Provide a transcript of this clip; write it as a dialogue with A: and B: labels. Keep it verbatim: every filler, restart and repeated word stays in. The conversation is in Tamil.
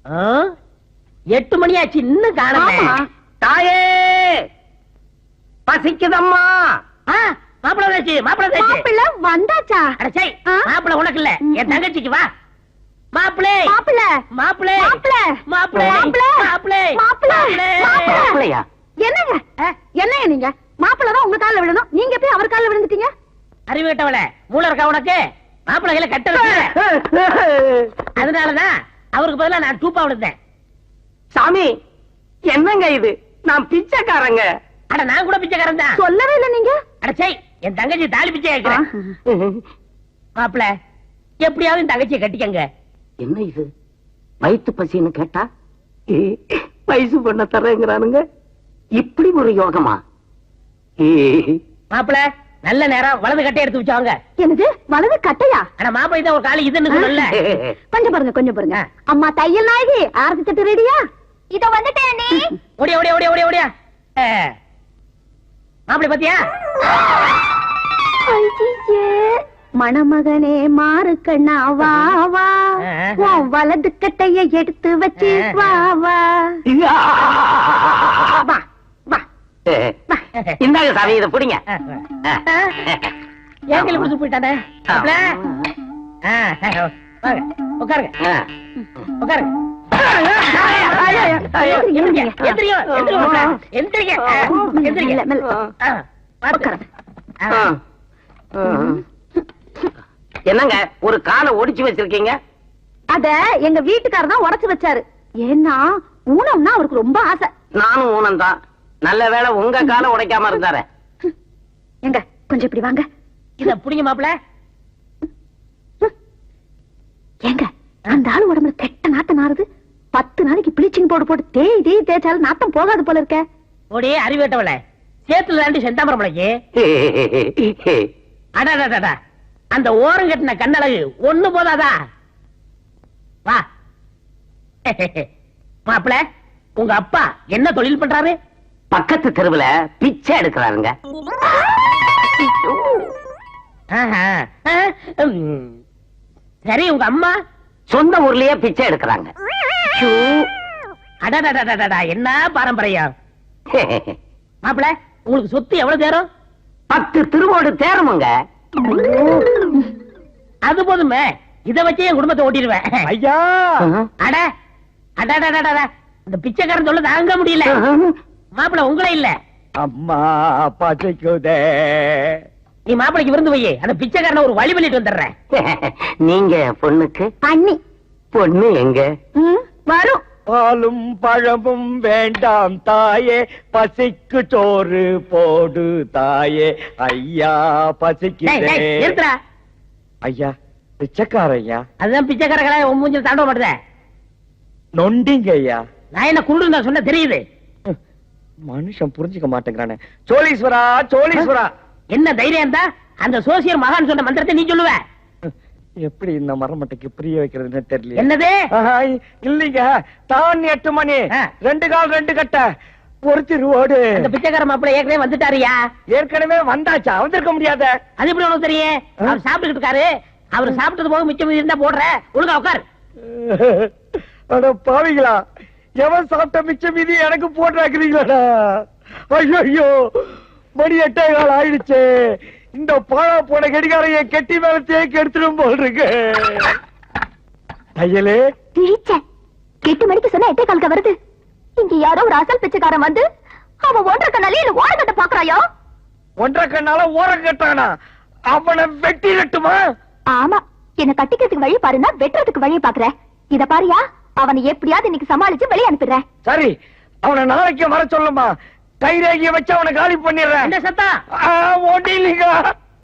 A: எட்டு மணி ஆச்சு இன்னும் காணல.
B: தாயே பசிக்குதம்மா.
A: மாப்பிள வந்தாச்சு, மாப்பிள வந்தாச்சு.
C: மாப்பிள வந்தாச்சா?
A: அடச்சை, மாப்பிள உனக்கு இல்ல, என் தங்கச்சிக்கு. வா மாப்பிளே,
C: மாப்பிள
A: மாப்பிளே,
C: மாப்பிள
A: மாப்பிளே, மாப்பிளே,
C: மாப்பிள
B: மாப்பிளையா?
C: என்னங்க என்னங்க நீங்க? மாப்பிள தான் உங்க கால்ல விழணும், நீங்க போய் அவர் கால்ல விழுந்துட்டீங்க.
A: அறிவிட்டவள மூளை இருக்கா உனக்கு? மாப்பிள கையில கட்ட வச்சு, அதனாலதான் அவருக்கு பதிலா நான் டூப்பா விழுந்தேன்.
B: சாமி என்னங்க இது? நான் பிச்சைக்காரங்க.
A: அட நான் கூட பிச்சைக்காரன் தான்.
C: சொல்லவே இல்ல நீங்க.
A: அடச்சை, என் தங்கச்சி தாலி பிச்சை கேட்கிறேன். மாப்பிள எப்படியாவது என் தங்கச்சியை கட்டிக்கங்க.
B: என்ன இது? வயிற்று பசின்னு கேட்டா வயசு பண்ண தரேங்கிறானுங்க. இப்படி ஒரு யோகமா?
A: மாப்பிள நல்ல நேரம், வலது கட்டை எடுத்து வச்சாங்க.
C: என்னது வலது கட்டையா?
A: ஆனா மாப்பிள இதான் ஒரு காலி இதுன்னு சொல்லல.
C: கொஞ்சம் பாருங்க, கொஞ்சம் பாருங்க. அம்மா தையல் நாயகி, ஆரத்தி தட்டு ரெடியா? இத வந்துட்டேன் நீ.
A: ஓடியா ஓடியா ஓடியா ஓடியா ஓடியா. மாப்பிள பாத்தியா?
C: மணமகனே மாறு கண்ணா வா வா, வலது கட்டைய எடுத்து வச்சு வா வா.
B: இந்தாங்க சாமி, இதை பிடிங்க.
A: ஏன் கையில பிடிச்சு போயிட்டானே? உட்காருங்க உட்காருங்க.
B: என்னங்க ஒரு காலை ஒடிச்சு வச்சிருக்கீங்க?
C: அத எங்க வீட்டுக்காரர் தான் உடைச்சு வச்சாரு. ஏன்னா ஊனம்னா அவருக்கு ரொம்ப ஆசை.
B: நானும் ஊனம் தான். நல்ல வேளை உங்க காலை உடைக்காம இருந்தாரு.
C: எங்க கொஞ்சம் இப்படி வாங்க.
A: இத புடிங்க மாப்பிள.
C: ஏங்க அந்த ஆளு உடம்புல கெட்ட நாட்டம் நாறுது. பத்து நாளைக்கு பிளீச்சிங் பவுடர் போட்டு தேய் தேய் தேய்ச்சாலும் நாட்டம் போகாது போல இருக்க.
A: ஓடே அறிவேட்டவள, சேத்துல தாண்டி செந்தாமரம் முளைக்கு. அடாடாடா, அந்த ஓரம் கட்டின கண்ணழகு ஒண்ணு போதாதா? வா மாப்பிள, உங்க அப்பா என்ன தொழில் பண்றாரு?
B: பக்கத்து தெருவுல பிச்சை எடுக்கிறாருங்க.
A: சரி, உங்க அம்மா?
B: சொந்த ஊர்லயே பிச்சை எடுக்கிறாங்க.
A: அடடடடடா, என்ன பாரம்பரியம். மாப்பிள, உங்களுக்கு சொத்து எவ்வளவு தேரும்?
B: பத்து திருவோடு தேருமுங்க.
A: அது போதுமே, இத வச்சு என் குடும்பத்தை ஓட்டிடுவேன். ஐயா அட அடடடடா, இந்த பிச்சைக்காரன் சொல்ல தாங்க முடியல. மாப்பிள உங்களே இல்ல,
D: அம்மா பசிக்குதே.
A: நீ மாப்பிளைக்கு விருந்து வை, அந்த பிச்சைக்காரனை ஒரு வழி பண்ணிட்டு வந்துடுறேன்.
B: நீங்க பொண்ணுக்கு
C: அண்ணி.
B: பொண்ணு எங்க
C: வரும்?
D: பாலும் பழமும் வேண்டாம் தாயே, பசிக்கு சோறு போடு தாயே. ஐயா பசிக்குதே.
A: நிறுத்துறா.
D: ஐயா பிச்சைக்கார ஐயா.
A: அதுதான் பிச்சைக்காரங்களா உன் மூஞ்சில் தாண்ட மாட்டேத.
D: நொண்டிங்க ஐயா.
A: நான் என்ன குருடு நான் சொன்ன தெரியுது.
D: மனுஷன் புரிஞ்சுக்க மாட்டேங்கிறானே. சோழீஸ்வரா சோழீஸ்வரா.
A: என்ன தைரியம் தான் அந்த சோசியர் மகான் சொன்ன மந்திரத்தை நீ சொல்லுவ?
D: எப்படி இந்த மரமட்டைக்கு புரிய வைக்கிறதுன்னு தெரியல.
A: என்னது?
D: இல்லீங்க, தான் எட்டு மணி, ரெண்டு கால் ரெண்டு கட்ட, ஒரு திருவோடு.
A: அந்த பிச்சைக்கார மாப்பிள்ளை ஏற்கனவே வந்துட்டாரியா?
D: ஏற்கனவே வந்தாச்சா? வந்திருக்க முடியாத.
A: அது எப்படி உனக்கு தெரியும்? அவர் சாப்பிட்டு இருக்காரு. அவர் சாப்பிட்டது போக மிச்சம் இருந்தா போடுற. ஒழுங்கா உட்கார்.
D: அட பாவிங்களா, எவன் சாப்பிட்ட மிச்சம் மீதி எனக்கு போட்டுறாக்குறீங்களா? ஐயோ, மணி எட்டே கால் ஆயிடுச்சு. இந்த பாழா போன கடிகாரைய கெட்டி மேல தேக்கி எடுத்துடும் போல் இருக்கு. தையலே
C: எட்டு மணிக்கு சொன்ன எட்டே காலுக்கு வருது. இங்க யாரோ ஒரு அசல் பிச்சைக்காரன் வந்து அவன் ஒன்றரை கண்ணாலே இல்ல ஓர கட்ட பாக்குறாயோ.
D: ஒன்றரை கண்ணால ஓரம் கட்டானா? அவனை வெட்டி நட்டுமா?
C: ஆமா, என்ன கட்டிக்கிறதுக்கு வழி பாருன்னா வெட்டுறதுக்கு வழி பாக்குற. இத பாரியா, அவனை எப்படியாவது இன்னைக்கு சமாளிச்சு வெளியே அனுப்பிடுறேன்.
D: சரி, அவனை நாளைக்கு வர சொல்லுமா. கைரேகிய வச்சு அவனை காலி பண்ணிடுறேன்.
A: சத்தா
D: ஓட்டிலீங்க.